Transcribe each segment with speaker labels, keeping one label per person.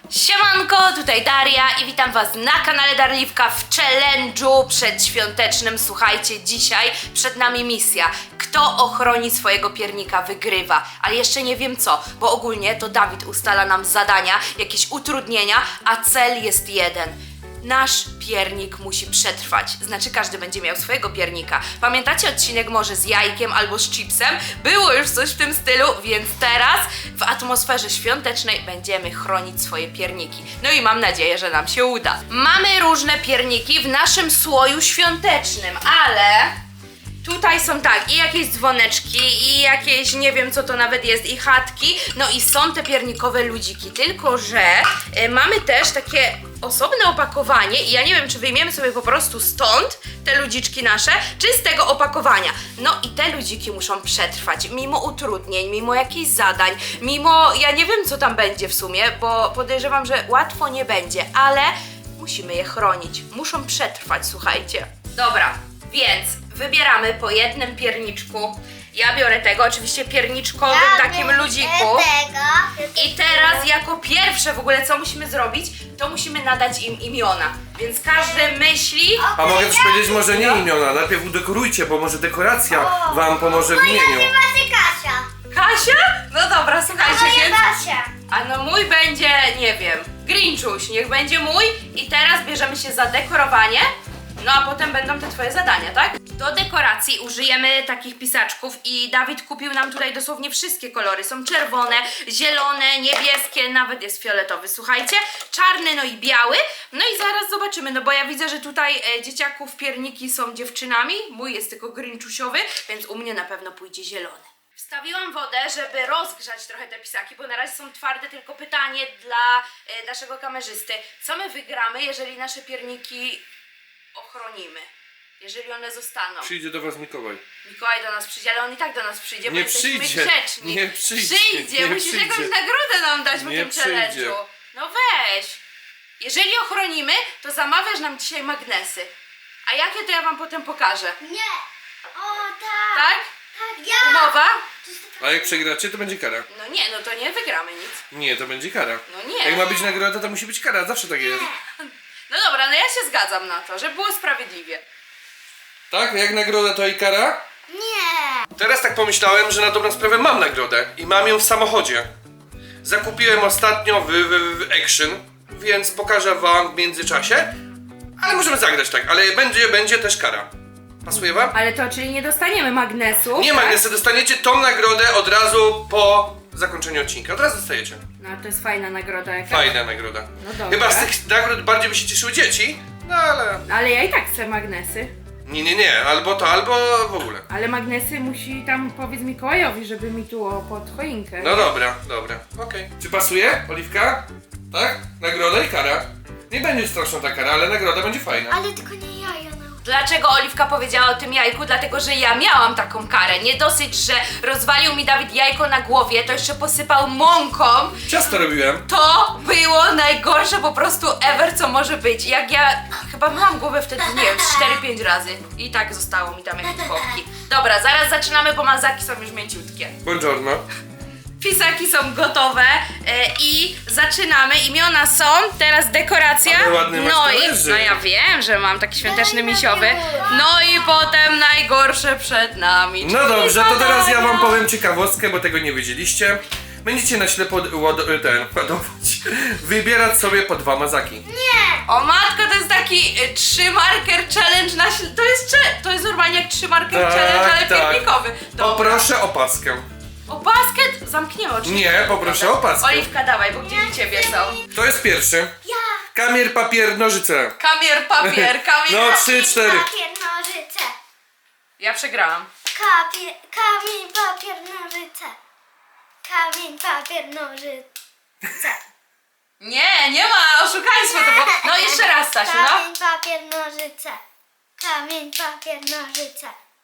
Speaker 1: Siemanko, tutaj Daria i witam was na kanale Darliwka w challenge'u przedświątecznym. Słuchajcie, dzisiaj przed nami misja. Kto ochroni swojego piernika, wygrywa. Ale jeszcze nie wiem co, bo ogólnie to Dawid ustala nam zadania, jakieś utrudnienia, a cel jest jeden. Nasz piernik musi przetrwać, znaczy każdy będzie miał swojego piernika. Pamiętacie odcinek może z jajkiem albo z chipsem? Było już coś w tym stylu, więc teraz w atmosferze świątecznej będziemy chronić swoje pierniki. No i mam nadzieję, że nam się uda. Mamy różne pierniki w naszym słoju świątecznym, ale tutaj są tak, i jakieś dzwoneczki, i jakieś, nie wiem co to nawet jest, i chatki, no i są te piernikowe ludziki, tylko że mamy też takie osobne opakowanie i ja nie wiem, czy wyjmiemy sobie po prostu stąd te ludziczki nasze, czy z tego opakowania. No i te ludziki muszą przetrwać, mimo utrudnień, mimo jakichś zadań, mimo, ja nie wiem co tam będzie w sumie, bo podejrzewam, że łatwo nie będzie, ale musimy je chronić, muszą przetrwać, słuchajcie. Dobra, więc wybieramy po jednym pierniczku. Ja biorę tego, oczywiście pierniczkowym takim ludziku. I teraz jako pierwsze w ogóle co musimy zrobić, to musimy nadać im imiona. Więc każdy myśli.
Speaker 2: A mogę też powiedzieć może nie imiona, najpierw udekorujcie, bo może dekoracja wam pomoże w imieniu.
Speaker 3: Macie Kasia.
Speaker 1: Kasia? No dobra, słuchajcie, więc...
Speaker 3: Kasia.
Speaker 1: A no mój będzie, nie wiem, Grinchuś, niech będzie mój. I teraz bierzemy się za dekorowanie. No a potem będą te twoje zadania, tak? Do dekoracji użyjemy takich pisaczków i Dawid kupił nam tutaj dosłownie wszystkie kolory. Są czerwone, zielone, niebieskie, nawet jest fioletowy, słuchajcie. Czarny, no i biały. No i zaraz zobaczymy, no bo ja widzę, że tutaj dzieciaków pierniki są dziewczynami. Mój jest tylko grinczusiowy, więc u mnie na pewno pójdzie zielony. Wstawiłam wodę, żeby rozgrzać trochę te pisaki, bo na razie są twarde. Tylko pytanie dla naszego kamerzysty. Co my wygramy, jeżeli nasze pierniki ochronimy, jeżeli one zostaną?
Speaker 2: Przyjdzie do was Mikołaj.
Speaker 1: Mikołaj do nas przyjdzie, ale on i tak do nas przyjdzie, bo
Speaker 2: Nie
Speaker 1: jesteśmy
Speaker 2: przyjdzie,
Speaker 1: grzeczni.
Speaker 2: nie przyjdzie,
Speaker 1: Przyjdzie,
Speaker 2: nie
Speaker 1: musisz
Speaker 2: przyjdzie.
Speaker 1: jakąś nagrodę nam dać po
Speaker 2: Nie
Speaker 1: tym
Speaker 2: przyjdzie.
Speaker 1: challenge'u. No weź. Jeżeli ochronimy, to zamawiasz nam dzisiaj magnesy. A jakie to ja wam potem pokażę.
Speaker 3: Nie. O tak.
Speaker 1: Tak?
Speaker 3: Tak, ja.
Speaker 1: Umowa?
Speaker 2: A jak przegracie, to będzie kara.
Speaker 1: No nie, no to nie wygramy nic.
Speaker 2: Nie, to będzie kara.
Speaker 1: No nie.
Speaker 2: Jak ma być nagroda, to musi być kara, zawsze tak jest.
Speaker 1: No dobra, no ja się zgadzam na to, żeby było sprawiedliwie.
Speaker 2: Tak? Jak nagroda, to i kara?
Speaker 3: Nie.
Speaker 2: Teraz tak pomyślałem, że na dobrą sprawę mam nagrodę i mam ją w samochodzie. Zakupiłem ostatnio w Action, więc pokażę wam w międzyczasie. Ale możemy zagrać tak, ale będzie też kara. Pasuje wam?
Speaker 1: Ale to, czyli nie dostaniemy magnesu?
Speaker 2: Nie magnesy, dostaniecie tą nagrodę od razu po zakończeniu odcinka. Od razu dostajecie.
Speaker 1: No to jest fajna nagroda jakaś.
Speaker 2: Fajna nagroda.
Speaker 1: No dobra.
Speaker 2: Chyba z tych nagród bardziej by się cieszyły dzieci, no ale...
Speaker 1: Ale ja i tak chcę magnesy.
Speaker 2: Nie, albo to, albo w ogóle.
Speaker 1: Ale magnesy musi tam powiedz Mikołajowi, żeby mi tu pod choinkę.
Speaker 2: No dobra, okej. Czy pasuje, Oliwka? Tak? Nagroda i kara. Nie będzie straszna ta kara, ale nagroda będzie fajna.
Speaker 3: Ale tylko nie jaja.
Speaker 1: Dlaczego Oliwka powiedziała o tym jajku? Dlatego, że ja miałam taką karę. Nie dosyć, że rozwalił mi Dawid jajko na głowie, to jeszcze posypał mąką.
Speaker 2: Ciasto robiłem.
Speaker 1: To było najgorsze po prostu ever, co może być. Jak ja chyba myłam głowę wtedy, nie wiem, 4-5 razy. I tak zostało mi tam jakieś popki. Dobra, zaraz zaczynamy, bo mazaki są już mięciutkie.
Speaker 2: Buongiorno.
Speaker 1: Pisaki są gotowe i zaczynamy. Imiona są, teraz dekoracja.
Speaker 2: Ale ładny masz
Speaker 1: No i
Speaker 2: talerzy.
Speaker 1: no ja wiem, że mam taki świąteczny misiowy. No i potem najgorsze przed nami.
Speaker 2: No
Speaker 1: czyli
Speaker 2: dobrze, to teraz ja wam
Speaker 1: zadania.
Speaker 2: powiem ciekawostkę, bo tego nie wiedzieliście. Będziecie na ślepo ładować, wybierać sobie po 2 mazaki.
Speaker 1: O matko, to jest taki 3 marker challenge na to jest normalnie jak 3 marker
Speaker 2: Tak,
Speaker 1: challenge, ale
Speaker 2: tak.
Speaker 1: piernikowy. Dobra.
Speaker 2: Poproszę opaskę.
Speaker 1: Opaskę zamkniemy oczywiście.
Speaker 2: Nie, poproszę opaskę.
Speaker 1: Oliwka, dawaj, bo gdzie u ciebie są?
Speaker 2: Kto jest pierwszy?
Speaker 3: Ja.
Speaker 2: Kamier, papier, nożyce.
Speaker 1: Kamier, papier, kamier.
Speaker 2: No 3, 4.
Speaker 3: Papier, nożyce.
Speaker 1: Ja przegrałam.
Speaker 3: Kamień, papier, nożyce. Kamień, papier, nożyce.
Speaker 1: Nie ma, oszukaństwo to było. No jeszcze raz, Stasiu, no.
Speaker 3: Kamień, papier, nożyce. Kamień, papier, nożyce.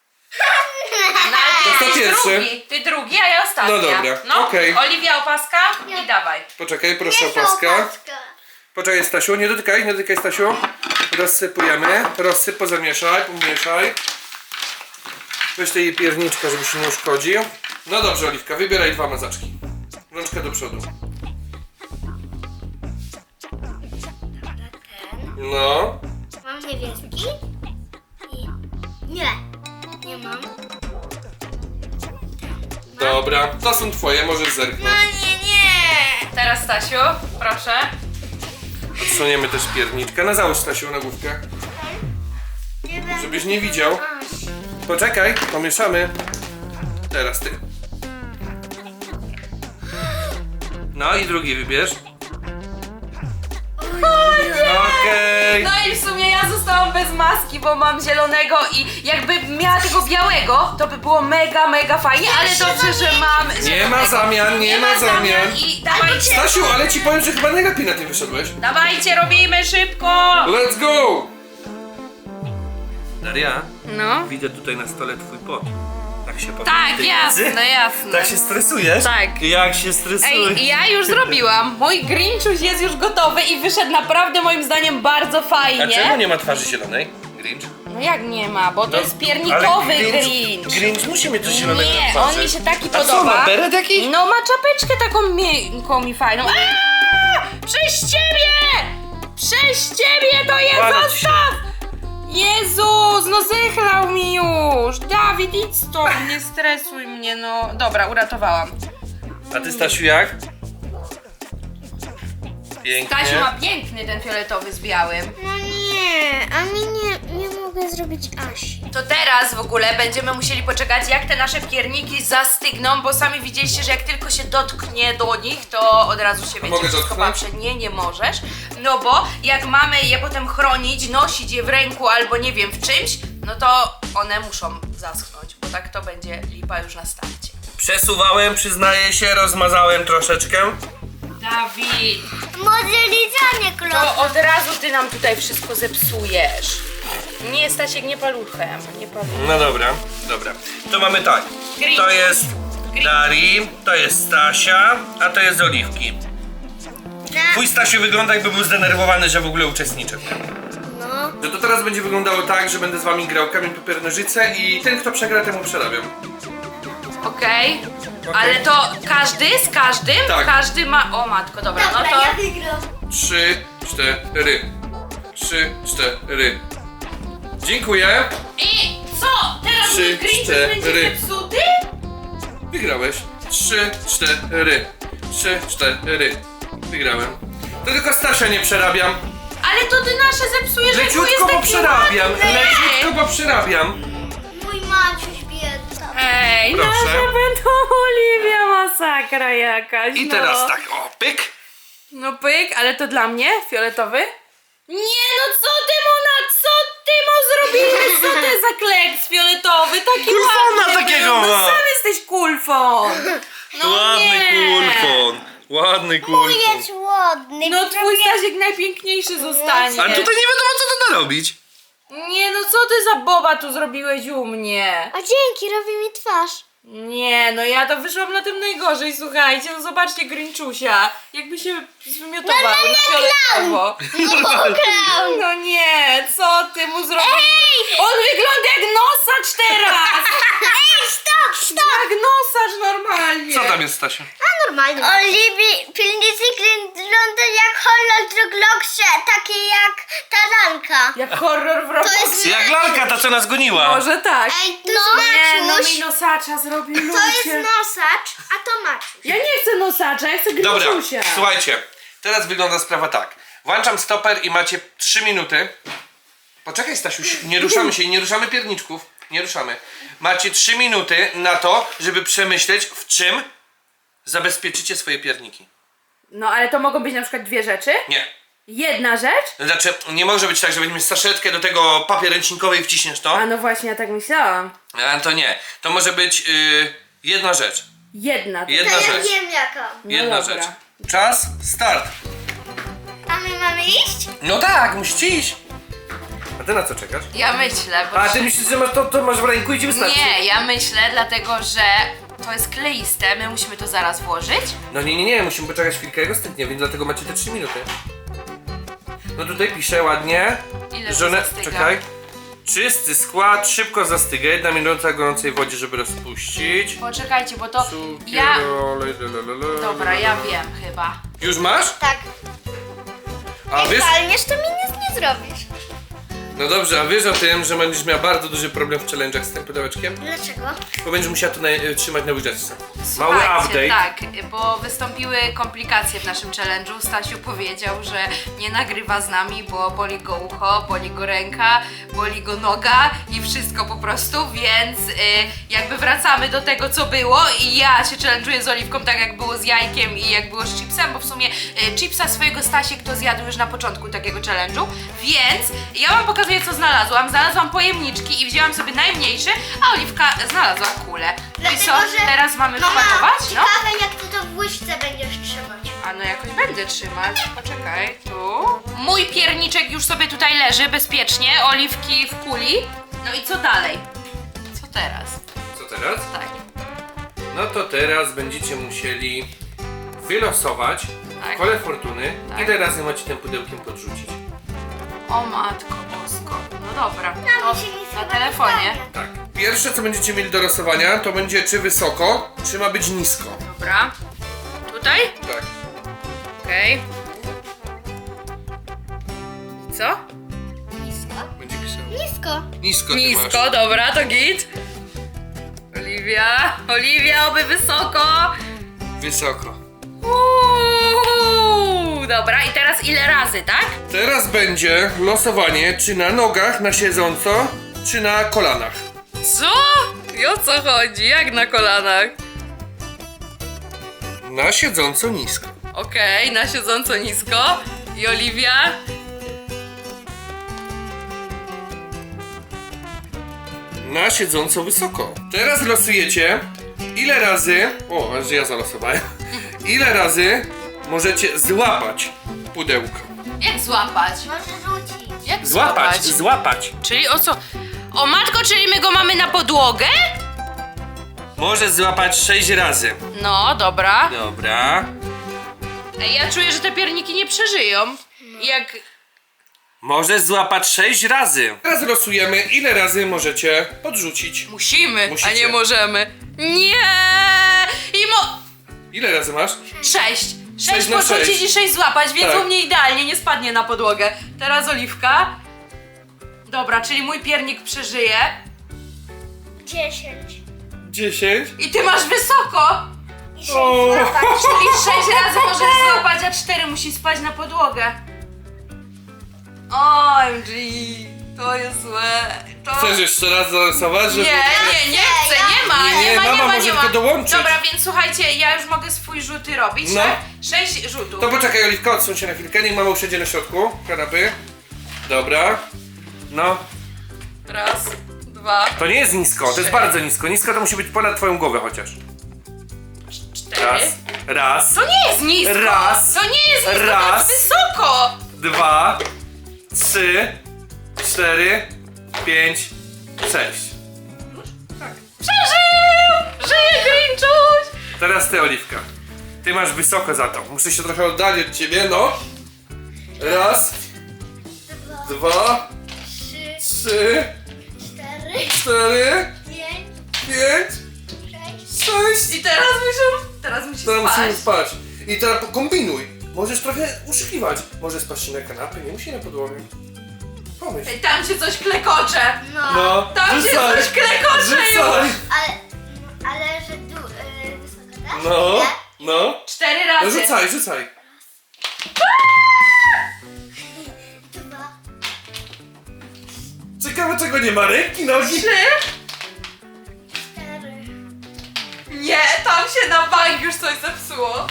Speaker 1: No ale ty
Speaker 2: To
Speaker 1: jesteś
Speaker 2: pierwszy.
Speaker 1: drugi. Ty drugi, a ja ostatnia.
Speaker 2: No dobra,
Speaker 1: No,
Speaker 2: okej.
Speaker 1: Oliwia opaska i dawaj.
Speaker 2: Poczekaj, proszę opaska. Poczekaj Stasiu, nie dotykaj Stasiu. Rozsypujemy. Rozsyp, zamieszaj, pomieszaj. Weź tej pierniczka, żeby się nie uszkodził. No dobrze, Oliwka, wybieraj 2 mazaczki. Rączkę do przodu. No.
Speaker 3: Mam niebieski. I... Nie mam.
Speaker 2: Dobra, to są twoje, możesz zerknąć.
Speaker 3: Nie.
Speaker 1: Teraz Stasiu, proszę.
Speaker 2: Odsuniemy też pierniczkę. No załóż, Stasiu, na główkę.
Speaker 3: Nie będę.
Speaker 2: Żebyś nie widział.
Speaker 3: Aś.
Speaker 2: Poczekaj, pomieszamy. Teraz ty. No i drugi wybierz. Okej.
Speaker 1: No i w sumie ja zostałam bez maski, bo mam zielonego i jakbym miała tego białego, to by było mega, mega fajnie, ale dobrze, że mam
Speaker 2: Nie
Speaker 1: zielonego.
Speaker 2: ma zamian, nie ma zamian.
Speaker 1: I dawajcie,
Speaker 2: Stasiu, ale ci powiem, że chyba najlepiej na tym wyszedłeś.
Speaker 1: dawajcie, robimy szybko!
Speaker 2: Let's go! Daria,
Speaker 1: No.
Speaker 2: widzę tutaj na stole twój pot. Tak się
Speaker 1: Tak, jasne, jasne.
Speaker 2: Tak się stresujesz?
Speaker 1: Tak.
Speaker 2: Jak się stresujesz?
Speaker 1: Ej, ja już zrobiłam. Mój Grinchuś jest już gotowy i wyszedł naprawdę moim zdaniem bardzo
Speaker 2: A
Speaker 1: fajnie.
Speaker 2: czemu nie ma twarzy zielonej? Grinch?
Speaker 1: No jak nie ma, bo to
Speaker 2: No,
Speaker 1: jest piernikowy
Speaker 2: ale
Speaker 1: Grinch.
Speaker 2: Grinch musi mieć coś zielonego na
Speaker 1: Nie,
Speaker 2: twarzy.
Speaker 1: on mi się taki
Speaker 2: A co,
Speaker 1: podoba.
Speaker 2: ma beret jakiś?
Speaker 1: No ma czapeczkę taką miękką i fajną. Aaaa! Przez ciebie! Przez ciebie to jest,
Speaker 2: Walę ci
Speaker 1: zostaw! Jezus, no zechlał mi już! Dawid, idź stąd, nie stresuj mnie, no. Dobra, uratowałam.
Speaker 2: A ty, Stasiu, jak? Pięknie.
Speaker 1: Stasiu ma piękny ten fioletowy z białym.
Speaker 3: No nie, a mi nie mogę zrobić Asi.
Speaker 1: To teraz w ogóle będziemy musieli poczekać, jak te nasze pierniki zastygną, bo sami widzieliście, że jak tylko się dotknie do nich, to od razu się wiecie,
Speaker 2: mogę
Speaker 1: wszystko
Speaker 2: dotknąć?
Speaker 1: patrzę. Nie możesz. No bo jak mamy je potem chronić, nosić je w ręku albo nie wiem w czymś, no to one muszą zaschnąć, bo tak to będzie lipa już na starcie.
Speaker 2: Przesuwałem, przyznaję się, rozmazałem troszeczkę.
Speaker 1: Dawid,
Speaker 3: Może lizanie
Speaker 1: to
Speaker 3: klocka.
Speaker 1: od razu ty nam tutaj wszystko zepsujesz. Nie, Stasiek, nie paluchem, nie paluchem.
Speaker 2: No dobra, dobra. To mamy tak.
Speaker 1: Grinch.
Speaker 2: To jest Darii, to jest Stasia, a to jest Oliwki. Twój Stasiu wygląda, jakby był zdenerwowany, że w ogóle uczestniczy.
Speaker 3: No.
Speaker 2: No to teraz będzie wyglądało tak, że będę z wami grał kamień, papier, nożyce i ten, kto przegra, temu przerabiam.
Speaker 1: Okej, ale to każdy z każdym?
Speaker 2: Tak.
Speaker 1: Każdy ma... O matko, dobra,
Speaker 3: Dobra,
Speaker 1: no to...
Speaker 3: ja wygram.
Speaker 2: 3, 4. 3, 4. Dziękuję.
Speaker 1: I co? Teraz
Speaker 2: 3,
Speaker 1: mój Grinch
Speaker 2: 4.
Speaker 1: będzie zepsuty?
Speaker 2: Wygrałeś. 3, 4. 3, 4. Wygrałem. To tylko Stasia nie przerabiam.
Speaker 1: Ale to ty nasze zepsujesz, jak
Speaker 2: Leciutko,
Speaker 1: jest
Speaker 2: bo
Speaker 1: taki
Speaker 2: przerabiam.
Speaker 1: ładny.
Speaker 2: Leciutko, bo przerabiam.
Speaker 3: Mój Maciuś biedna.
Speaker 1: Ej,
Speaker 2: Proszę.
Speaker 1: nasza będą Oliwia, masakra jakaś,
Speaker 2: I
Speaker 1: no.
Speaker 2: teraz tak, o, pyk.
Speaker 1: No pyk, ale to dla mnie? Fioletowy? Nie, no co ty mu zrobiłeś? Co ty za kleks fioletowy? Taki
Speaker 2: Kulfona
Speaker 1: ładny
Speaker 2: takiego
Speaker 1: był. No
Speaker 2: ma.
Speaker 1: sam jesteś kulfon. No
Speaker 2: Ładny
Speaker 1: nie.
Speaker 2: kulfon. Ładny kulfon.
Speaker 3: Jest ładny.
Speaker 1: No twój Stasiek najpiękniejszy zostanie.
Speaker 2: Ale tutaj nie wiadomo, co to da robić.
Speaker 1: Nie, no co ty za boba tu zrobiłeś u mnie?
Speaker 3: A dzięki, robi mi twarz.
Speaker 1: Nie, no ja to wyszłam na tym najgorzej, słuchajcie, no zobaczcie Grinchusia, jakby się zwymiotował na fioletowo. No nie, co ty mu zrobiłeś? On wygląda jak nosacz teraz!
Speaker 3: Ej, stop, stop.
Speaker 1: Jak nosacz normalnie.
Speaker 2: Co tam jest, Stasiu?
Speaker 3: A normalnie. Oliwi, pilnicy wygląda jak horror w Robloxie, taki jak taranka.
Speaker 1: Jak horror w Robloxie.
Speaker 3: jest-
Speaker 2: Jak lalka, ta co nas goniła.
Speaker 1: Może tak.
Speaker 3: Ej, to
Speaker 1: Nie, no
Speaker 3: Maciuś.
Speaker 1: mi nosacza zrobił
Speaker 3: To jest
Speaker 1: ludzie.
Speaker 3: nosacz, a to Maciuś.
Speaker 1: Ja nie chcę nosacza, ja chcę
Speaker 2: Dobra,
Speaker 1: Grinchusia.
Speaker 2: słuchajcie. Teraz wygląda sprawa tak. Włączam stoper i macie 3 minuty. Poczekaj, Stasiu, nie ruszamy się, nie ruszamy pierniczków. Nie ruszamy. Macie 3 minuty na to, żeby przemyśleć, w czym zabezpieczycie swoje pierniki.
Speaker 1: No ale to mogą być na przykład dwie rzeczy?
Speaker 2: Nie.
Speaker 1: Jedna rzecz?
Speaker 2: Znaczy, nie może być tak, że weźmiesz saszetkę do tego papier ręcznikowy i wciśniesz to.
Speaker 1: A no właśnie, ja tak myślałam.
Speaker 2: A to nie. To może być jedna rzecz.
Speaker 1: Jedna.
Speaker 2: Jedna
Speaker 3: To ja
Speaker 2: rzecz.
Speaker 3: wiem jaka.
Speaker 2: Jedna
Speaker 1: dobra.
Speaker 2: rzecz. Czas, start.
Speaker 3: A my mamy iść?
Speaker 2: No tak, musisz iść. A ty na co czekasz?
Speaker 1: Ja myślę, bo...
Speaker 2: A ty myślisz, że masz to masz w ręku i ci wystarczy?
Speaker 1: Nie, ja myślę, dlatego że to jest kleiste, my musimy to zaraz włożyć.
Speaker 2: No nie, musimy poczekać chwilkę, jego stygnie, więc dlatego macie te 3 minuty. No tutaj pisze ładnie.
Speaker 1: Ile to
Speaker 2: Żonę,
Speaker 1: zastyga?
Speaker 2: czekaj. Czysty skład, szybko zastyga, 1 minuta w gorącej wodzie, żeby rozpuścić.
Speaker 1: Poczekajcie, bo to
Speaker 2: Cukier,
Speaker 1: ja...
Speaker 2: olej, lalalala.
Speaker 1: Dobra, ja wiem chyba.
Speaker 2: Już masz?
Speaker 3: Tak.
Speaker 2: A wiesz?
Speaker 3: Palniesz, to mi nic nie zrobisz.
Speaker 2: No dobrze, a wiesz o tym, że będziesz miała bardzo duży problem w challenge'ach z tym pudełeczkiem?
Speaker 3: Dlaczego?
Speaker 2: Bo będziesz musiała to trzymać na łyżeczce.
Speaker 1: Słuchajcie,
Speaker 2: Mały update.
Speaker 1: tak, bo wystąpiły komplikacje w naszym challenge'u. Stasiu powiedział, że nie nagrywa z nami, bo boli go ucho, boli go ręka, boli go noga i wszystko po prostu, więc jakby wracamy do tego, co było i ja się challenge'uję z Oliwką tak jak było z jajkiem i jak było z chipsem, bo w sumie chipsa swojego Stasiek to zjadł już na początku takiego challenge'u, więc ja wam pokazuję, co znalazłam. Znalazłam pojemniczki i wzięłam sobie najmniejszy, a Oliwka znalazła kulę. No i co, teraz mamy wpakować? No.
Speaker 3: Ciekawe jak ty to w łyżce będziesz trzymać.
Speaker 1: A no jakoś będę trzymać. Poczekaj, tu. Mój pierniczek już sobie tutaj leży bezpiecznie, Oliwki w kuli. No i co dalej? Co teraz?
Speaker 2: Co teraz?
Speaker 1: Tak.
Speaker 2: No to teraz będziecie musieli wylosować
Speaker 1: Tak.
Speaker 2: w kole fortuny,
Speaker 1: Tak.
Speaker 2: ile razy macie tym pudełkiem podrzucić.
Speaker 1: O matko bosko. No dobra,
Speaker 3: No,
Speaker 1: to
Speaker 3: mi się nic
Speaker 1: na
Speaker 3: chyba
Speaker 1: telefonie.
Speaker 3: nie stanie.
Speaker 2: Tak. Pierwsze co będziecie mieli do losowania to będzie czy wysoko, czy ma być nisko.
Speaker 1: Dobra. Tutaj?
Speaker 2: Tak.
Speaker 1: Okej. I co?
Speaker 3: Nisko?
Speaker 2: Będzie pisał.
Speaker 3: Nisko.
Speaker 2: Nisko ty
Speaker 1: Nisko,
Speaker 2: masz.
Speaker 1: dobra, to git. Oliwia, oby wysoko.
Speaker 2: Wysoko.
Speaker 1: Dobra, i teraz ile razy, tak?
Speaker 2: Teraz będzie losowanie czy na nogach, na siedząco, czy na kolanach.
Speaker 1: Co? I o co chodzi? Jak na kolanach?
Speaker 2: Na siedząco nisko.
Speaker 1: Okej, na siedząco nisko. I Oliwia?
Speaker 2: Na siedząco wysoko. Teraz losujecie ile razy... O, aż ja zalosowałem. Ile razy możecie złapać pudełko.
Speaker 1: Jak złapać?
Speaker 3: Może rzucić.
Speaker 1: Jak
Speaker 2: złapać.
Speaker 1: Czyli o co? O matko, czyli my go mamy na podłogę?
Speaker 2: Możesz złapać 6 razy.
Speaker 1: No, dobra.
Speaker 2: Dobra.
Speaker 1: Ej, ja czuję, że te pierniki nie przeżyją. Jak...
Speaker 2: Możesz złapać 6 razy. Teraz losujemy ile razy możecie podrzucić.
Speaker 1: Musicie.
Speaker 2: Musicie.
Speaker 1: A nie możemy. Nie!
Speaker 2: Ile razy masz?
Speaker 1: 6. 6
Speaker 2: na
Speaker 1: podrzucić
Speaker 2: sześć.
Speaker 1: i 6 złapać, więc
Speaker 2: Tak.
Speaker 1: u mnie idealnie, nie spadnie na podłogę. Teraz Oliwka. Dobra, czyli mój piernik przeżyje.
Speaker 3: 10.
Speaker 2: 10.
Speaker 1: I ty masz wysoko!
Speaker 3: I 6
Speaker 2: O.
Speaker 3: złapać.
Speaker 1: Czyli 6 razy możesz złapać, a 4 musi spać na podłogę. OMG, to jest złe. To...
Speaker 2: Chcesz jeszcze raz zalosować, żeby...
Speaker 1: Nie chcę, nie ma,
Speaker 2: Nie, mama może tylko dołączyć.
Speaker 1: Dobra, więc słuchajcie, ja już mogę swój rzuty robić,
Speaker 2: No.
Speaker 1: tak? 6 rzutów.
Speaker 2: To poczekaj, Oliwka, odsuń się na chwilkę, niech mama usiądzie na środku kanapy. Dobra. No.
Speaker 1: Raz, dwa,
Speaker 2: To nie jest nisko, to jest bardzo nisko. Nisko to musi być ponad twoją głowę chociaż.
Speaker 1: 4.
Speaker 2: Raz.
Speaker 1: To nie jest nisko!
Speaker 2: Raz.
Speaker 1: To nie jest nisko,
Speaker 2: Raz.
Speaker 1: to jest wysoko!
Speaker 2: 2, 3, 4, 5, 6.
Speaker 1: Przeżył! Żyje Grinchuś!
Speaker 2: Teraz ty, Oliwka. Ty masz wysoko za to. Muszę się trochę oddalić od ciebie, no. Raz, 2,
Speaker 3: 3,
Speaker 2: 3,
Speaker 3: 4,
Speaker 2: 4,
Speaker 3: 5,
Speaker 2: 5,
Speaker 3: 6.
Speaker 2: 6.
Speaker 1: I teraz musi
Speaker 2: Teraz
Speaker 1: spać.
Speaker 2: musimy spać. I teraz kombinuj. Możesz trochę uszykiwać. Może spać na kanapie, nie musi na podłogę. Pomyśl.
Speaker 1: Ej, tam się coś klekocze!
Speaker 2: No,
Speaker 1: Tam się coś klekocze już!
Speaker 2: rzucaj.
Speaker 3: Ale że wysoko, tak?
Speaker 2: No,
Speaker 3: Nie?
Speaker 2: no.
Speaker 1: 4
Speaker 2: No
Speaker 1: razy.
Speaker 2: rzucaj, rzucaj.
Speaker 3: 2,
Speaker 2: Ciekawe czego nie ma, ręki, nogi.
Speaker 1: 3.
Speaker 3: 4.
Speaker 1: Nie, tam się na bank już coś zepsuło.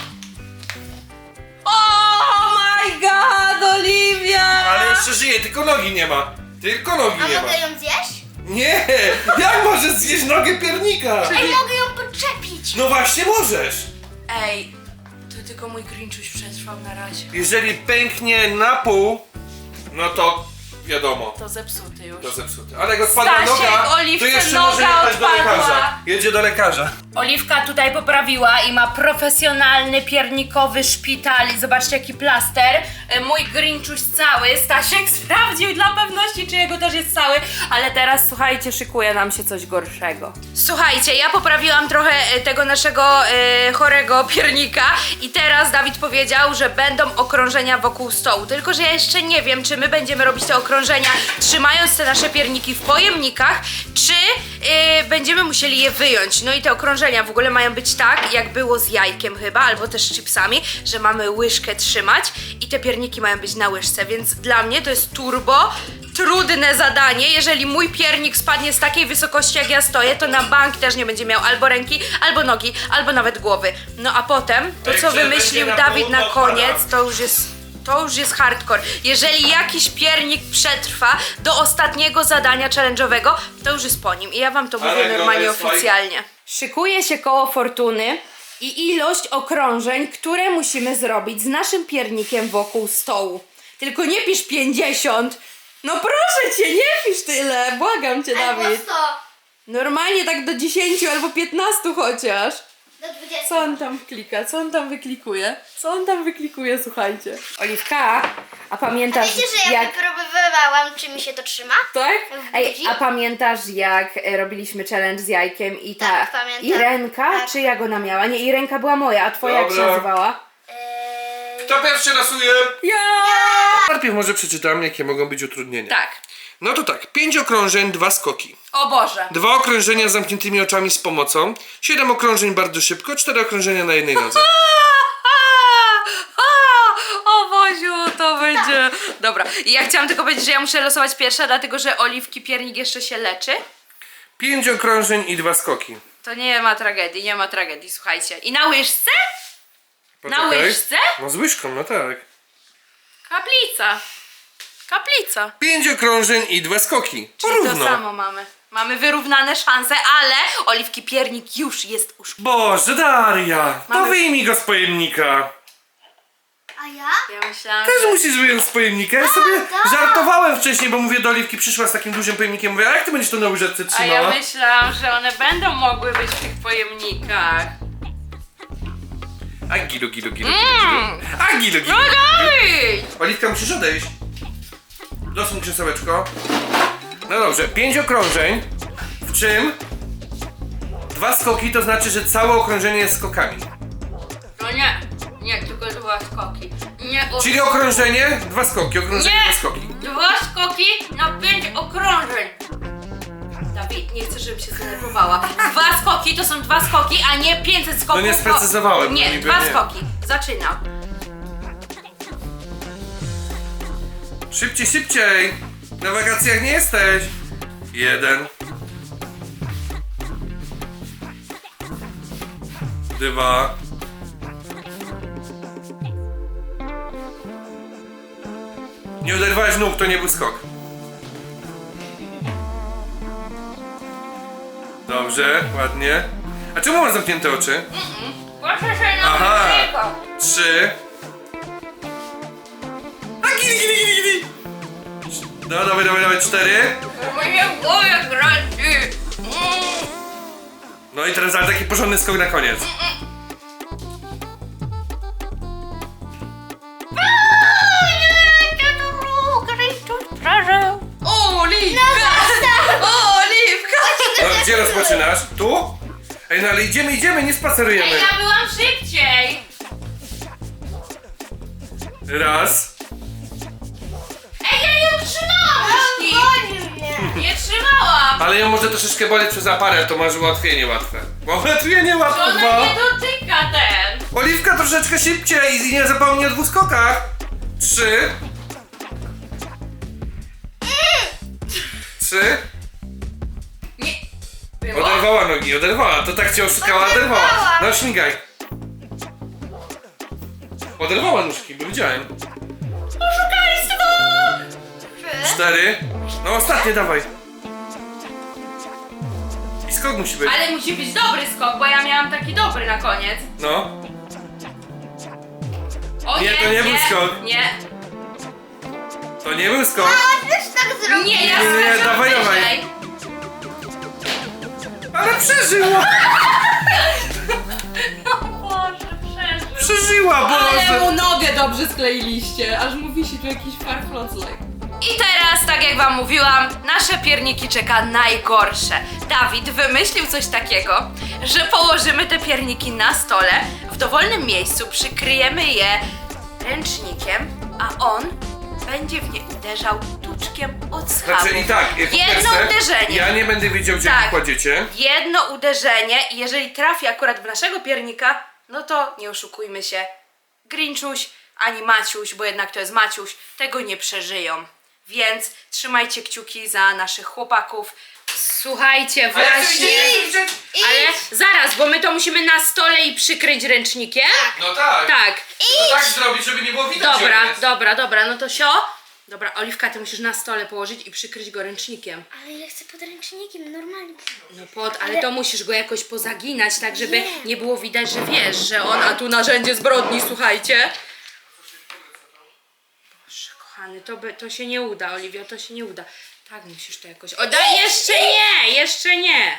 Speaker 1: Oh my god, Oliwia!
Speaker 2: Ale jeszcze żyje, tylko nogi nie ma. Tylko nogi
Speaker 3: A
Speaker 2: nie ma.
Speaker 3: mogę ją zjeść?
Speaker 2: Nie! Jak możesz zjeść nogę piernika?
Speaker 3: Ej, mogę ją podczepić.
Speaker 2: No właśnie możesz.
Speaker 1: Ej, to tylko mój Grinchuś przetrwał na razie.
Speaker 2: Jeżeli pęknie na pół, no to wiadomo.
Speaker 1: To zepsuty już.
Speaker 2: To zepsute. Ale jak odpadła
Speaker 1: Stasiek,
Speaker 2: noga, to
Speaker 1: Oliwce
Speaker 2: jeszcze
Speaker 1: noga
Speaker 2: może jechać do
Speaker 1: odpadła.
Speaker 2: lekarza. Jedzie do lekarza.
Speaker 1: Oliwka tutaj poprawiła i ma profesjonalny piernikowy szpital. I zobaczcie jaki plaster. Mój Grinchuś cały. Stasiek sprawdził dla pewności, czy jego też jest cały. Ale teraz słuchajcie, szykuje nam się coś gorszego. Słuchajcie, ja poprawiłam trochę tego naszego chorego piernika. I teraz Dawid powiedział, że będą okrążenia wokół stołu. Tylko że ja jeszcze nie wiem, czy my będziemy robić te okrążenia trzymając te nasze pierniki w pojemnikach, czy będziemy musieli je wyjąć. No i te okrążenia w ogóle mają być tak, jak było z jajkiem chyba, albo też z chipsami, że mamy łyżkę trzymać i te pierniki mają być na łyżce, więc dla mnie to jest turbo trudne zadanie. Jeżeli mój piernik spadnie z takiej wysokości jak ja stoję, to na bank też nie będzie miał albo ręki, albo nogi, albo nawet głowy. No a potem to,
Speaker 2: Jak
Speaker 1: co
Speaker 2: się
Speaker 1: wymyślił
Speaker 2: będzie na
Speaker 1: Dawid
Speaker 2: pół,
Speaker 1: na
Speaker 2: to
Speaker 1: koniec,
Speaker 2: odpada.
Speaker 1: to już jest hardcore. Jeżeli jakiś piernik przetrwa do ostatniego zadania challenge'owego, to już jest po nim. I ja wam to
Speaker 2: Ale
Speaker 1: mówię normalnie
Speaker 2: nowe
Speaker 1: oficjalnie. Szykuje się koło fortuny i ilość okrążeń, które musimy zrobić z naszym piernikiem wokół stołu. Tylko nie pisz 50. No proszę cię, nie pisz tyle. Błagam cię, Dawid.
Speaker 3: 100
Speaker 1: Normalnie tak do 10 albo 15 chociaż.
Speaker 3: do 20.
Speaker 1: Co on tam klika? Co on tam wyklikuje? Co on tam wyklikuje, słuchajcie. Oliwka, a pamiętasz
Speaker 3: Wiecie, że ja wypróbowałam, czy mi się to trzyma?
Speaker 1: Tak?
Speaker 3: w
Speaker 1: Ej,
Speaker 3: buzi?
Speaker 1: a pamiętasz jak robiliśmy challenge z jajkiem i ta
Speaker 3: Tak, pamiętam.
Speaker 1: Irenka,
Speaker 3: Tak.
Speaker 1: czy jak ona miała? Nie, Irenka była moja, a twoja jak się
Speaker 2: Dobra.
Speaker 1: nazywała?
Speaker 2: Kto pierwszy losuje?
Speaker 1: Ja!
Speaker 2: Najpierw może przeczytam, jakie mogą być utrudnienia.
Speaker 1: Tak.
Speaker 2: No to tak, 5 okrążeń, 2 skoki.
Speaker 1: O Boże.
Speaker 2: 2 okrążenia z zamkniętymi oczami z pomocą. 7 okrążeń bardzo szybko, 4 okrążenia na jednej nodze.
Speaker 1: O Boziu, to będzie... Dobra, i ja chciałam tylko powiedzieć, że ja muszę losować pierwsza, dlatego że Oliwki piernik jeszcze się leczy.
Speaker 2: 5 okrążeń i 2 skoki.
Speaker 1: To nie ma tragedii, nie ma tragedii, słuchajcie. I na łyżce? Na
Speaker 2: Poczekaj.
Speaker 1: łyżce?
Speaker 2: No z łyżką, no tak.
Speaker 1: Kaplica. Kaplica.
Speaker 2: 5 okrążeń i 2 skoki.
Speaker 1: Czyli
Speaker 2: Porówno.
Speaker 1: to samo mamy. Mamy wyrównane szanse, ale Oliwki piernik już jest uszkodzony.
Speaker 2: Boże, Daria! To
Speaker 1: Mamy-
Speaker 2: wyjmij go z pojemnika.
Speaker 3: A ja?
Speaker 1: Ja myślałam,
Speaker 2: Też
Speaker 1: że...
Speaker 2: musisz wyjąć z pojemnika. Ja sobie
Speaker 3: tak.
Speaker 2: żartowałem wcześniej, bo mówię do Oliwki, przyszła z takim dużym pojemnikiem. Mówię, a jak ty będziesz to na łyżeczce
Speaker 1: A
Speaker 2: trzymała?
Speaker 1: ja myślałam, że one będą mogły być w tych pojemnikach.
Speaker 2: A gilu, gilu, gilu,
Speaker 1: Mm.
Speaker 2: gilu. A gilu, gilu.
Speaker 1: No Dawid!
Speaker 2: Oliwka, musisz odejść. Dosuń krzesełeczko. No dobrze, 5 okrążeń, w czym 2 skoki, to znaczy, że całe okrążenie jest skokami.
Speaker 1: No nie, tylko 2 skoki. Nie,
Speaker 2: Czyli okrążenie, 2 skoki, okrążenie,
Speaker 1: Nie!
Speaker 2: 2 skoki.
Speaker 1: 2 skoki na 5 okrążeń. Dawid, nie chcę, żebym się zdenerwowała. 2 skoki to są 2 skoki, a nie 500 skoków.
Speaker 2: No nie sprecyzowałem,
Speaker 1: Nie,
Speaker 2: niby
Speaker 1: 2
Speaker 2: nie.
Speaker 1: skoki. Zaczynam.
Speaker 2: Szybciej, szybciej! Na wakacjach nie jesteś. 1. 2. Nie uderwałeś nóg, to nie był skok. Dobrze, ładnie. A czemu masz zamknięte oczy?
Speaker 1: Proszę się na
Speaker 2: Aha.
Speaker 1: łyżeczkę.
Speaker 2: 3. A gili, gili, gili, gili. No, dawaj, dawaj, dawaj, 4.
Speaker 1: Moje głowie kręci.
Speaker 2: No i teraz ale taki porządny skok na koniec.
Speaker 1: Oliwka! Oliwka!
Speaker 2: No, gdzie rozpoczynasz? Tu? Ej, no ale idziemy, idziemy, nie spacerujemy.
Speaker 1: Ej, ja byłam szybciej!
Speaker 2: Raz.
Speaker 1: Ej, ja nie trzymałam myszki!
Speaker 3: Boli mnie.
Speaker 1: Nie trzymałam!
Speaker 2: Ale ją może troszeczkę boleć przez aparat, to masz ułatwienie łatwe. Bo ułatwienie łatwe,
Speaker 1: Ona
Speaker 2: 2.
Speaker 1: nie dotyka ten!
Speaker 2: Oliwka troszeczkę szybciej i nie zapomnij o 2 skokach. 3. 3.
Speaker 1: Nie. Było?
Speaker 2: Oderwała nogi, oderwała. To tak cię oszukała, oderwała.
Speaker 3: Oderwała.
Speaker 2: No śmigaj. Oderwała nóżki, bo widziałem.
Speaker 1: Oszukaństwo!
Speaker 2: 4. No ostatnie, dawaj. I skok musi być.
Speaker 1: Ale musi być dobry skok, bo ja miałam taki dobry na koniec.
Speaker 2: No.
Speaker 1: O
Speaker 2: Nie, to nie był skok.
Speaker 1: Nie.
Speaker 2: To nie był skok.
Speaker 3: A też tak zrobię.
Speaker 1: Nie, ja
Speaker 2: Nie, nie,
Speaker 1: skoczyłam
Speaker 2: dawaj, dawaj.
Speaker 1: wyżej.
Speaker 2: Ale przeżyła.
Speaker 1: Boże, przeżył.
Speaker 2: Przeżyła,
Speaker 1: Ale mu
Speaker 2: Boże!
Speaker 1: nogę dobrze skleiliście, aż mu wisi tu jakiś farfloclek. I teraz, tak jak wam mówiłam, nasze pierniki czeka najgorsze. Dawid wymyślił coś takiego, że położymy te pierniki na stole, w dowolnym miejscu przykryjemy je ręcznikiem, a on będzie w nie uderzał tuczkiem od schabu.
Speaker 2: Znaczy i tak, jak
Speaker 1: jedno
Speaker 2: chcę,
Speaker 1: uderzenie.
Speaker 2: ja nie będę wiedział, gdzie
Speaker 1: Tak.
Speaker 2: kładziecie.
Speaker 1: Jedno uderzenie i jeżeli trafi akurat w naszego piernika, no to nie oszukujmy się, Grinchuś ani Maciuś, bo jednak to jest Maciuś, tego nie przeżyją. Więc trzymajcie kciuki za naszych chłopaków. Słuchajcie,
Speaker 2: A ja chcę
Speaker 1: właśnie...
Speaker 2: widzieć!
Speaker 1: Ale zaraz, bo my to musimy na stole i przykryć ręcznikiem.
Speaker 2: No tak.
Speaker 1: Tak.
Speaker 2: To tak zrobić, żeby nie było widać. gdzie
Speaker 1: Dobra,
Speaker 2: on jest.
Speaker 1: dobra, no to sio. Dobra, Oliwka, ty musisz na stole położyć i przykryć go ręcznikiem.
Speaker 3: Ale ja chcę podręcznikiem, normalnie.
Speaker 1: No ale to musisz go jakoś pozaginać, tak żeby nie było widać, że wiesz, że on, a tu narzędzie zbrodni, słuchajcie. Boże, kochany, to się nie uda, Oliwia, to się nie uda. Tak, musisz to jakoś... O, daj, jeszcze nie.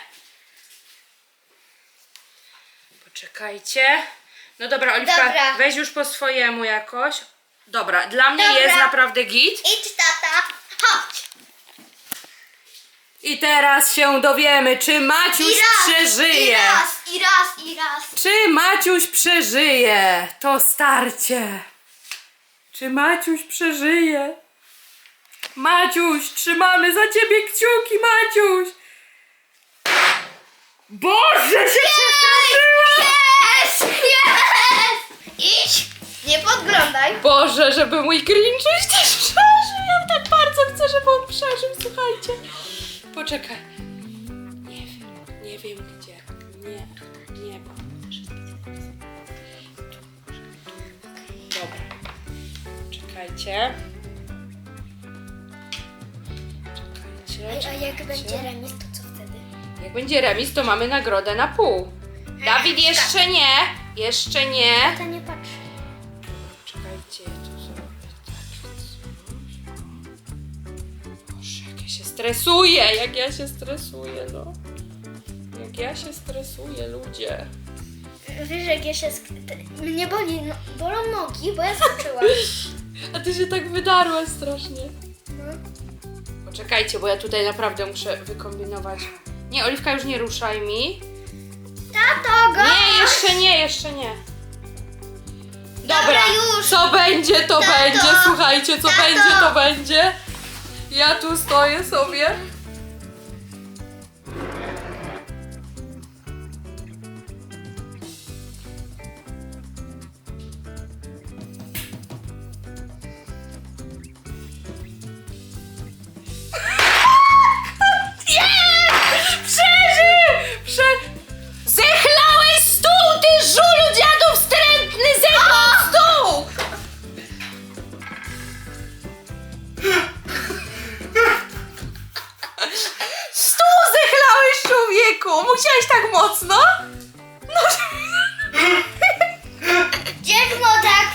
Speaker 1: Poczekajcie. No dobra, Oliwka,
Speaker 3: Dobra.
Speaker 1: weź już po swojemu jakoś. Dobra, dla mnie
Speaker 3: Dobra.
Speaker 1: jest naprawdę git.
Speaker 3: Idź, tata, chodź.
Speaker 1: I teraz się dowiemy, czy Maciuś przeżyje.
Speaker 3: I raz.
Speaker 1: Czy Maciuś przeżyje to starcie? Czy Maciuś przeżyje? Maciuś, trzymamy za ciebie kciuki, Maciuś! Boże, się przestraszyła!
Speaker 3: Jest! Idź, nie podglądaj.
Speaker 1: Boże, żeby mój Grinchuś też przeżył! Ja tak bardzo chcę, żeby on przeżył, słuchajcie. Poczekaj. Nie wiem gdzie. Nie, bo dobra. Czekajcie.
Speaker 3: A jak będzie remis, to co wtedy?
Speaker 1: Jak będzie remis, to mamy nagrodę na pół. Dawid, jeszcze nie. Jeszcze nie.
Speaker 3: To nie patrz.
Speaker 1: Czekajcie, ja tu zrobię tak. Boże, jak ja się stresuję, no. Jak ja się stresuję, ludzie.
Speaker 3: Wiesz, jak ja się... Mnie boli, bolą nogi, bo ja skoczyłam.
Speaker 1: A ty się tak wydarłaś strasznie.
Speaker 3: No.
Speaker 1: Poczekajcie, bo ja tutaj naprawdę muszę wykombinować. Nie, Oliwka, już nie ruszaj mi.
Speaker 3: Tato, go!
Speaker 1: Nie, jeszcze nie.
Speaker 3: Dobra, już.
Speaker 1: Co będzie, to
Speaker 3: Tato.
Speaker 1: będzie. Słuchajcie, co
Speaker 3: Tato.
Speaker 1: będzie, to będzie. Ja tu stoję sobie. Zechlałeś stół, ty żulu dziadu wstrętny! Zechlał stół! Stół zechlałeś, człowieku! Musiałeś tak mocno?
Speaker 3: Gdzie tak?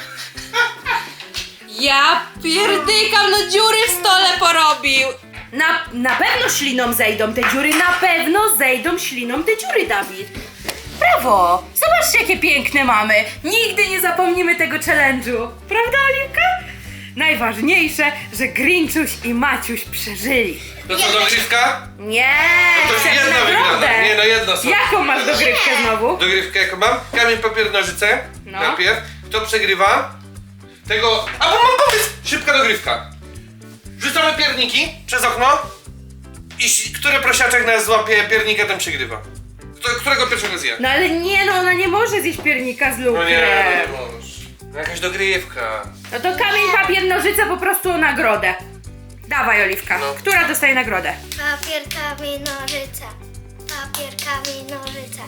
Speaker 1: Ja pierdykam, no dziury w stole porobił! Na pewno śliną zejdą te dziury, na pewno zejdą śliną te dziury, Dawid. Brawo! Zobaczcie, jakie piękne mamy. Nigdy nie zapomnimy tego challenge'u. Prawda, Oliwka? Najważniejsze, że Grinchuś i Maciuś przeżyli.
Speaker 2: To co, dogrywka?
Speaker 1: Nie,
Speaker 2: To
Speaker 1: chcę
Speaker 2: jedna wygrana.
Speaker 1: nagrodę.
Speaker 2: Nie, no jedna są.
Speaker 1: Jaką masz dogrywkę znowu?
Speaker 2: Dogrywkę jaką mam? Kamień, papier, nożyce.
Speaker 1: No.
Speaker 2: Najpierw. Kto przegrywa? Tego... A bo mam pomysł! Szybka dogrywka. Wrzucamy pierniki przez okno i który prosiaczek nas złapie piernika, ten przegrywa. Którego pierwszego zje?
Speaker 1: No ale nie, no ona nie może zjeść piernika z lukrem.
Speaker 2: No nie możesz. No jakaś dogrywka.
Speaker 1: No to kamień, papier, nożyce po prostu o nagrodę. Dawaj, Oliwka.
Speaker 2: No.
Speaker 1: Która dostaje nagrodę?
Speaker 3: Papier, kamień, nożyce. Papier, kamień, nożyce.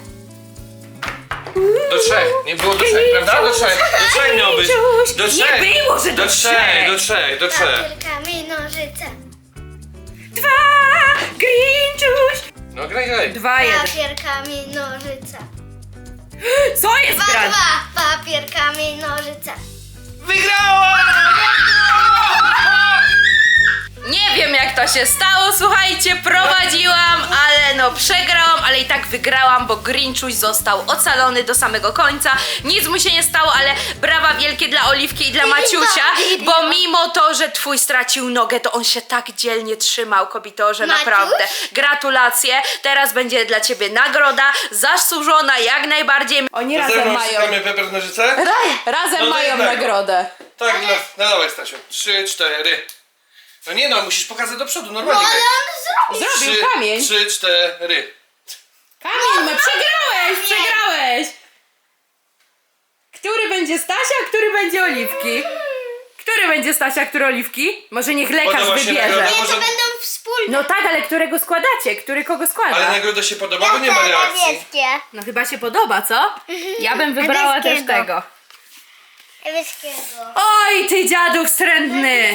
Speaker 2: Do trzech. Nie było do trzech, prawda? Do trzech. Do trzech miał być.
Speaker 1: Grinchuś,
Speaker 2: Do trzech.
Speaker 1: nie było, że do trzech.
Speaker 2: Do trzech, do trzech.
Speaker 3: Papier, kamień, nożyce.
Speaker 1: 2, Grinchuś.
Speaker 2: No graj.
Speaker 1: 2, 1.
Speaker 3: Papier, kamień, nożyce.
Speaker 1: Co jest
Speaker 3: 2,
Speaker 1: grane?
Speaker 3: 2. Papier, kamień, nożyce.
Speaker 2: Wygrała!
Speaker 1: Nie wiem jak to się stało, słuchajcie, prowadziłam, ale no przegrałam, ale i tak wygrałam, bo Grinchuś został ocalony do samego końca. Nic mu się nie stało, ale brawa wielkie dla Oliwki i dla Maciusia, bo mimo to, że twój stracił nogę, to on się tak dzielnie trzymał, kobitorze,
Speaker 3: Maciuś?
Speaker 1: naprawdę. Gratulacje, teraz będzie dla ciebie nagroda, zasłużona jak najbardziej. Oni razem mają,
Speaker 2: Szukamy papier, nożyce?
Speaker 1: razem
Speaker 2: No to
Speaker 1: mają
Speaker 2: jednego.
Speaker 1: nagrodę.
Speaker 2: Tak, no dawaj Stasiu. 3, 4. No nie no, musisz pokazać do przodu,
Speaker 3: No
Speaker 2: normalnie.
Speaker 3: ale on zrobił.
Speaker 1: Zrobił kamień.
Speaker 2: 3, 4.
Speaker 1: Kamień, no przegrałeś! Który będzie Stasia, a który będzie Oliwki? Który będzie Stasia, który Oliwki? Może niech lekarz
Speaker 2: Podoba się
Speaker 1: wybierze.
Speaker 2: nagroda?
Speaker 3: Nie, to
Speaker 2: Może-
Speaker 3: będą wspólne.
Speaker 1: No tak, ale którego składacie? Który kogo składa?
Speaker 2: Ale nagroda się podoba, bo nie ma reakcji.
Speaker 3: Niebieskie.
Speaker 1: No chyba się podoba, co? Ja bym wybrała też
Speaker 3: Niebieskiego.
Speaker 1: tego.
Speaker 3: Niebieskiego.
Speaker 1: Oj, ty dziadu wstrętny!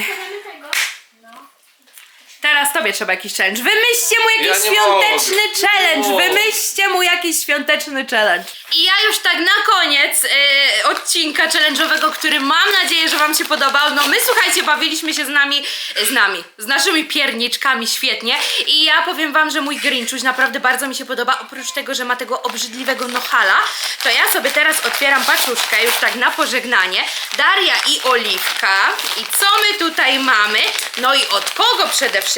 Speaker 1: Teraz tobie trzeba jakiś challenge. Wymyślcie mu jakiś
Speaker 2: Ja nie
Speaker 1: świąteczny
Speaker 2: mogę.
Speaker 1: challenge.
Speaker 2: Nie mogę.
Speaker 1: Wymyślcie mu jakiś świąteczny challenge. I ja już tak na koniec odcinka challenge'owego, który mam nadzieję, że wam się podobał. No my, słuchajcie, bawiliśmy się z naszymi pierniczkami świetnie. I ja powiem wam, że mój Grinchuś naprawdę bardzo mi się podoba. Oprócz tego, że ma tego obrzydliwego nohala, to ja sobie teraz otwieram paczuszkę już tak na pożegnanie. Daria i Oliwka. I co my tutaj mamy? No i od kogo przede wszystkim?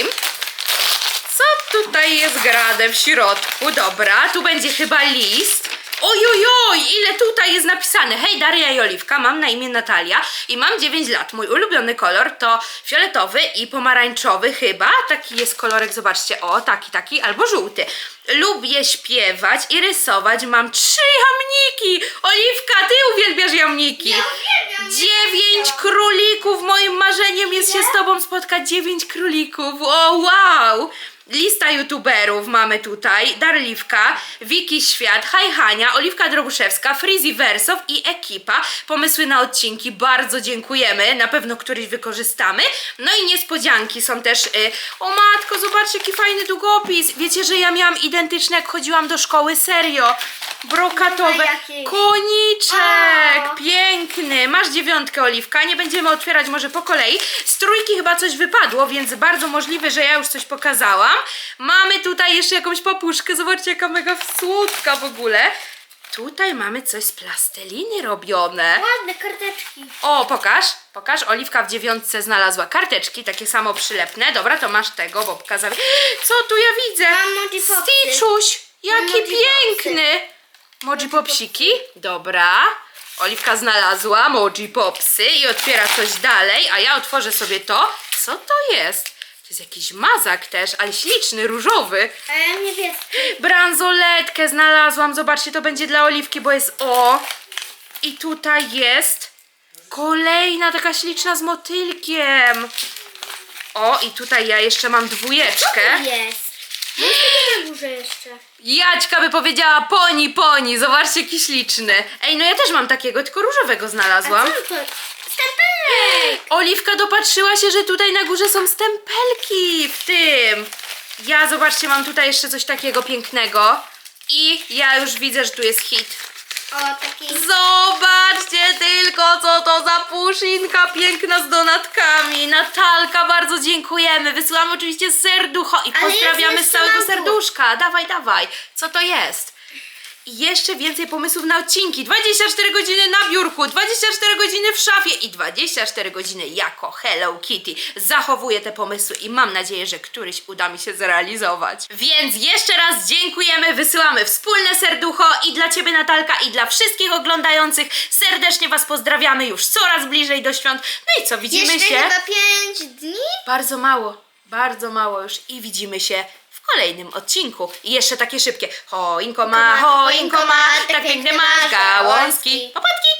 Speaker 1: Co tutaj jest grane w środku? Dobra, tu będzie chyba list. Ojojoj, ile tutaj jest napisane. Hej, Daria i Oliwka, mam na imię Natalia i mam 9 lat. Mój ulubiony kolor to fioletowy i pomarańczowy chyba. Taki jest kolorek, zobaczcie, o, taki, albo żółty. Lubię śpiewać i rysować. Mam 3 jamniki. Oliwka, ty uwielbiasz jamniki.
Speaker 3: Ja uwielbiam
Speaker 1: 9 królików. Moim marzeniem jest się z tobą spotkać. 9 królików. O, wow. Lista youtuberów mamy tutaj. Darliwka, Wiki Świat, Hania, Oliwka Drobuszewska, Frizy Wersow i ekipa. Pomysły na odcinki, bardzo dziękujemy. Na pewno któryś wykorzystamy. No i niespodzianki są też. O matko, zobaczcie jaki fajny długopis. Wiecie, że ja miałam identyczny jak chodziłam do szkoły, serio. Brokatowe.
Speaker 3: Tutaj jakieś.
Speaker 1: Koniczek,
Speaker 3: O.
Speaker 1: piękny. Masz 9, Oliwka. Nie będziemy otwierać może po kolei. Z 3 chyba coś wypadło, więc bardzo możliwe, że ja już coś pokazałam. Mamy tutaj jeszcze jakąś papuszkę. Zobaczcie, jaka mega słodka w ogóle. Tutaj mamy coś z plasteliny robione.
Speaker 3: Ładne karteczki.
Speaker 1: O, pokaż. Oliwka w 9 znalazła karteczki, takie samo przylepne. Dobra, to masz tego, bo pokazałem. Co tu ja widzę?
Speaker 3: Mam Moji Popsy.
Speaker 1: Stitchuś,
Speaker 3: Mam
Speaker 1: jaki
Speaker 3: Moji
Speaker 1: piękny. Moji Popsiki, dobra. Oliwka znalazła Moji Popsy i otwiera coś dalej, a ja otworzę sobie to. Co to jest? To jest jakiś mazak też, ale śliczny, różowy.
Speaker 3: A ja niebieski.
Speaker 1: Bransoletkę znalazłam. Zobaczcie, to będzie dla Oliwki, bo jest o. I tutaj jest kolejna taka śliczna z motylkiem. O, i tutaj ja jeszcze mam 2.
Speaker 3: Jest. Jest na górze jeszcze.
Speaker 1: Jaćka by powiedziała poni. Zobaczcie, jaki śliczny. Ej, no ja też mam takiego, tylko różowego znalazłam.
Speaker 3: Co to? Stempelek.
Speaker 1: Oliwka dopatrzyła się, że tutaj na górze są stempelki w tym. Ja, zobaczcie, mam tutaj jeszcze coś takiego pięknego. I ja już widzę, że tu jest hit.
Speaker 3: O, taki.
Speaker 1: Zobaczcie tylko, co to za puszynka piękna z donatkami. Natalka, bardzo dziękujemy. Wysyłamy oczywiście serducho i
Speaker 3: Ale
Speaker 1: pozdrawiamy
Speaker 3: jest
Speaker 1: z całego
Speaker 3: jeszcze na dół.
Speaker 1: serduszka. Dawaj. Co to jest? I jeszcze więcej pomysłów na odcinki. 24 godziny na biurku, 24 godziny w szafie i 24 godziny jako Hello Kitty. Zachowuję te pomysły i mam nadzieję, że któryś uda mi się zrealizować. Więc jeszcze raz dziękujemy, wysyłamy wspólne serducho i dla Ciebie, Natalka, i dla wszystkich oglądających. Serdecznie Was pozdrawiamy już coraz bliżej do świąt. No i co, widzimy
Speaker 3: Jeszcze
Speaker 1: się?
Speaker 3: chyba 5 dni?
Speaker 1: Bardzo mało już i widzimy się w kolejnym odcinku. I jeszcze takie szybkie. Choinko ma, tak piękne masz gałązki. Popatki!